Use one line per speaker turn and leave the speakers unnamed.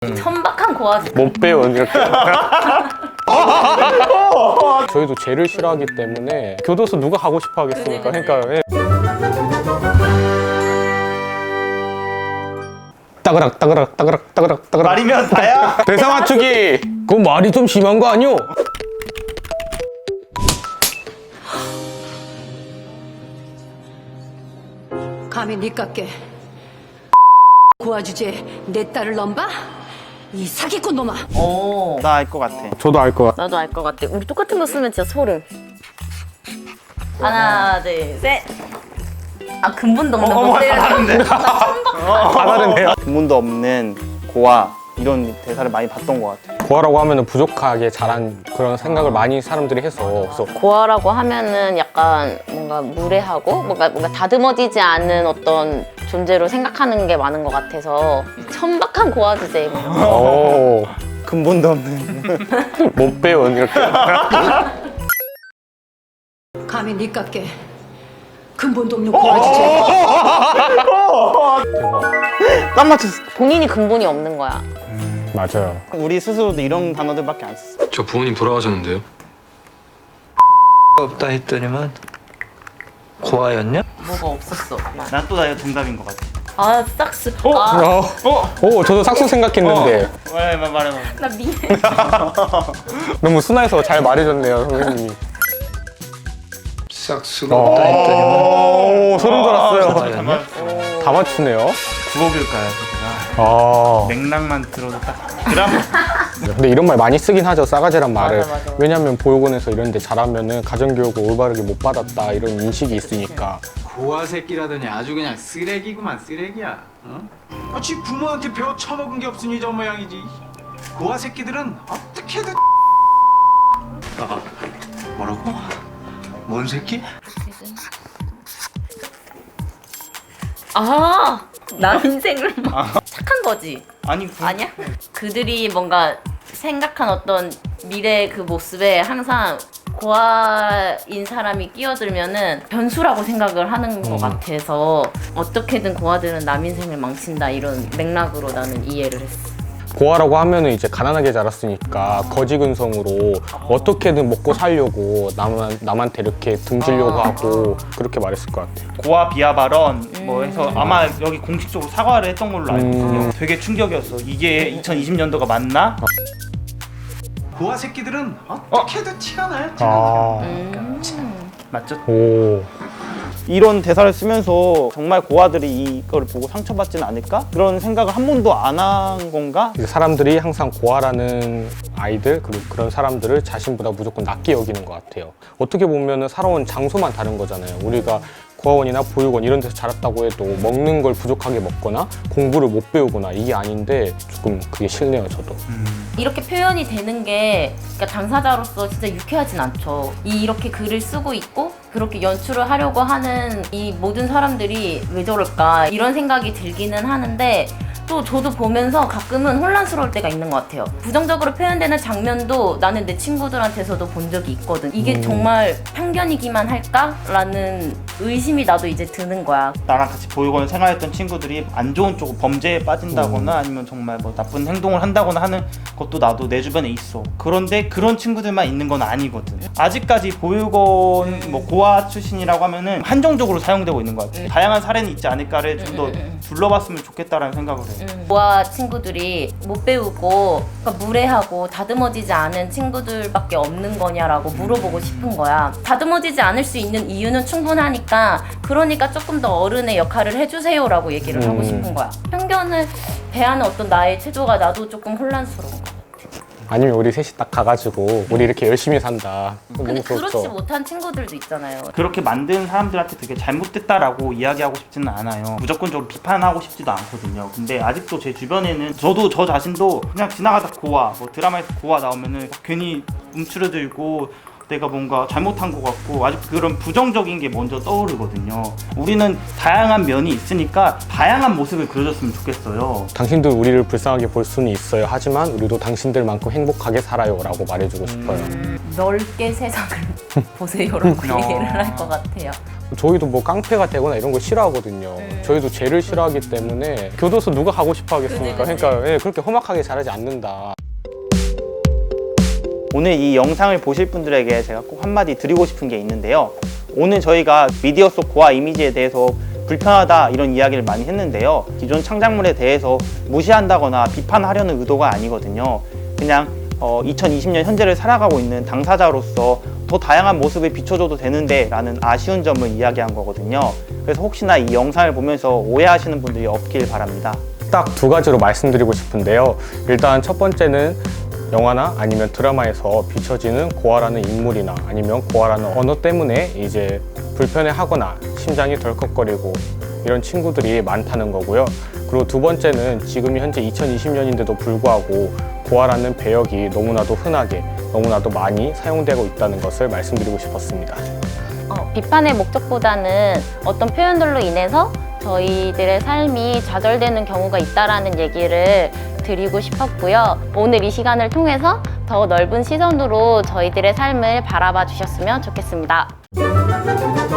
천박한 고아지.
못 배운 이렇게. 저희도 죄를 싫어하기 때문에 교도소 누가 가고 싶어 하겠습니까?
그치.
그러니까 예. 따그락 따그락 따그락 따그락 따그락.
말이면 다야.
대사 맞추기. 그건 말이 좀 심한 거 아니오?
감히 니깎게 고아 주제에 내 딸을 넘봐? 이 사기꾼 놈아!
오.
나 알 것 같아.
저도 알 것 같아.
나도 알 것 같아. 우리 똑같은 거 쓰면 진짜 소름. 하나, 둘, 셋. 아, 근본도 없는 거 때려서.
다 다르네요.
근본도 없는 고아 이런 대사를 많이 봤던 것 같아.
고아라고 하면은 부족하게 자란 그런 생각을 많이 사람들이 해서 그래서
고아라고 하면은 약간 뭔가 무례하고 뭔가 다듬어지지 않은 어떤 존재로 생각하는 게 많은 것 같아서 천박한 고아 주제.
오,
근본도 없는.
못 배운 이렇게.
감히 니깎게 근본도 없는 고아 주제에
대박.
딱 맞췄어.
본인이 근본이 없는 거야.
맞아요.
우리 스스로도 이런 단어들밖에 안 썼어.
저 부모님 돌아가셨는데요?
없다 했더니만 고아였냐?
뭐가 없었어.
난 또 나이가 정답인 것 같아.
아, 싹스. 아,
오, 저도 삭수 생각했는데
말해.
나 미해.
너무 순화해서 잘 말해줬네요, 선생님이.
싹수가 없다 했더니만
오, 소름 돋았어요.
고아였냐?
다 맞추네요.
구억일까요?
아,
맥락만 들어도 딱 드라마.
근데 이런 말 많이 쓰긴 하죠, 싸가지란 말을.
맞아.
왜냐면 보육원에서 이런 데 잘하면은 가정교육을 올바르게 못 받았다 이런 인식이 있으니까.
고아 새끼라더니 아주 그냥 쓰레기구만 쓰레기야. 어? 지 부모한테 배워 처먹은 게 없으니 저 모양이지. 고아 새끼들은 어떻게든. 뭐라고? 뭔 새끼?
아, 남 인생을 막 착한 거지.
아니
아니야? 그들이 뭔가 생각한 어떤 미래 그 모습에 항상 고아인 사람이 끼어들면은 변수라고 생각을 하는 것 같아서 어떻게든 고아들은 남 인생을 망친다 이런 맥락으로 나는 이해를 했어.
고아라고 하면은 이제 가난하게 자랐으니까 거지근성으로 어떻게든 먹고 살려고 남한테 이렇게 등지려고 하고 그렇게 말했을 것 같아요.
고아 비하 발언 뭐 해서 아마 여기 공식적으로 사과를 했던 걸로 알고 있거든요. 되게 충격이었어. 이게 2020년도가 맞나?
고아 새끼들은 어떻게든 티가 나요.
아,
맞죠?
오.
이런 대사를 쓰면서 정말 고아들이 이걸 보고 상처받지는 않을까? 그런 생각을 한 번도 안 한 건가?
이제 사람들이 항상 고아라는 아이들 그리고 그런 사람들을 자신보다 무조건 낮게 여기는 것 같아요. 어떻게 보면은 살아온 장소만 다른 거잖아요. 우리가 고아원이나 보육원 이런 데서 자랐다고 해도 먹는 걸 부족하게 먹거나 공부를 못 배우거나 이게 아닌데 조금 그게 싫네요, 저도.
이렇게 표현이 되는 게 그러니까 당사자로서 진짜 유쾌하진 않죠. 이렇게 글을 쓰고 있고 그렇게 연출을 하려고 하는 이 모든 사람들이 왜 저럴까 이런 생각이 들기는 하는데 또 저도 보면서 가끔은 혼란스러울 때가 있는 것 같아요. 부정적으로 표현되는 장면도 나는 내 친구들한테서도 본 적이 있거든. 이게 정말 편견이기만 할까라는 의심이 나도 이제 드는 거야.
나랑 같이 보육원 생활했던 친구들이 안 좋은 쪽 범죄에 빠진다거나 아니면 정말 뭐 나쁜 행동을 한다거나 하는 것도 나도 내 주변에 있어. 그런데 그런 친구들만 있는 건 아니거든. 아직까지 보육원 뭐 고아 출신이라고 하면은 한정적으로 사용되고 있는 것 같아. 다양한 사례는 있지 않을까를 좀 더 둘러봤으면 좋겠다라는 생각을 해.
고아 친구들이 못 배우고 그러니까 무례하고 다듬어지지 않은 친구들밖에 없는 거냐라고 물어보고 싶은 거야. 다듬어지지 않을 수 있는 이유는 충분하니까 그러니까 조금 더 어른의 역할을 해주세요라고 얘기를 하고 싶은 거야. 편견을 대하는 어떤 나의 태도가 나도 조금 혼란스러운 거야.
아니면 우리 셋이 딱 가가지고 우리 이렇게 열심히 산다.
근데
너무
그렇지
좋죠.
못한 친구들도 있잖아요.
그렇게 만든 사람들한테 되게 잘못됐다라고 이야기하고 싶지는 않아요. 무조건적으로 비판하고 싶지도 않거든요. 근데 아직도 제 주변에는 저도 저 자신도 그냥 지나가다 고아, 뭐 드라마에서 고아 나오면은 괜히 움츠러들고 내가 뭔가 잘못한 것 같고 아직 그런 부정적인 게 먼저 떠오르거든요. 우리는 다양한 면이 있으니까 다양한 모습을 그려줬으면 좋겠어요.
당신들 우리를 불쌍하게 볼 수는 있어요. 하지만 우리도 당신들만큼 행복하게 살아요 라고 말해주고 싶어요.
넓게 세상을 보세요라고 얘기를 할 것 같아요.
저희도 뭐 깡패가 되거나 이런 거 싫어하거든요. 저희도 죄를 싫어하기 때문에 교도소 누가 가고 싶어 하겠습니까? 그러니까 예, 그렇게 험악하게 자라지 않는다.
오늘 이 영상을 보실 분들에게 제가 꼭 한마디 드리고 싶은 게 있는데요. 오늘 저희가 미디어 속 고아 이미지에 대해서 불편하다 이런 이야기를 많이 했는데요. 기존 창작물에 대해서 무시한다거나 비판하려는 의도가 아니거든요. 그냥 2020년 현재를 살아가고 있는 당사자로서 더 다양한 모습을 비춰줘도 되는데 라는 아쉬운 점을 이야기한 거거든요. 그래서 혹시나 이 영상을 보면서 오해하시는 분들이 없길 바랍니다.
딱 두 가지로 말씀드리고 싶은데요. 일단 첫 번째는 영화나 아니면 드라마에서 비춰지는 고아라는 인물이나 아니면 고아라는 언어 때문에 이제 불편해하거나 심장이 덜컥거리고 이런 친구들이 많다는 거고요. 그리고 두 번째는 지금이 현재 2020년인데도 불구하고 고아라는 배역이 너무나도 흔하게 너무나도 많이 사용되고 있다는 것을 말씀드리고 싶었습니다.
비판의 목적보다는 어떤 표현들로 인해서 저희들의 삶이 좌절되는 경우가 있다라는 얘기를 드리고 싶었고요. 오늘 이 시간을 통해서 더 넓은 시선으로 저희들의 삶을 바라봐 주셨으면 좋겠습니다.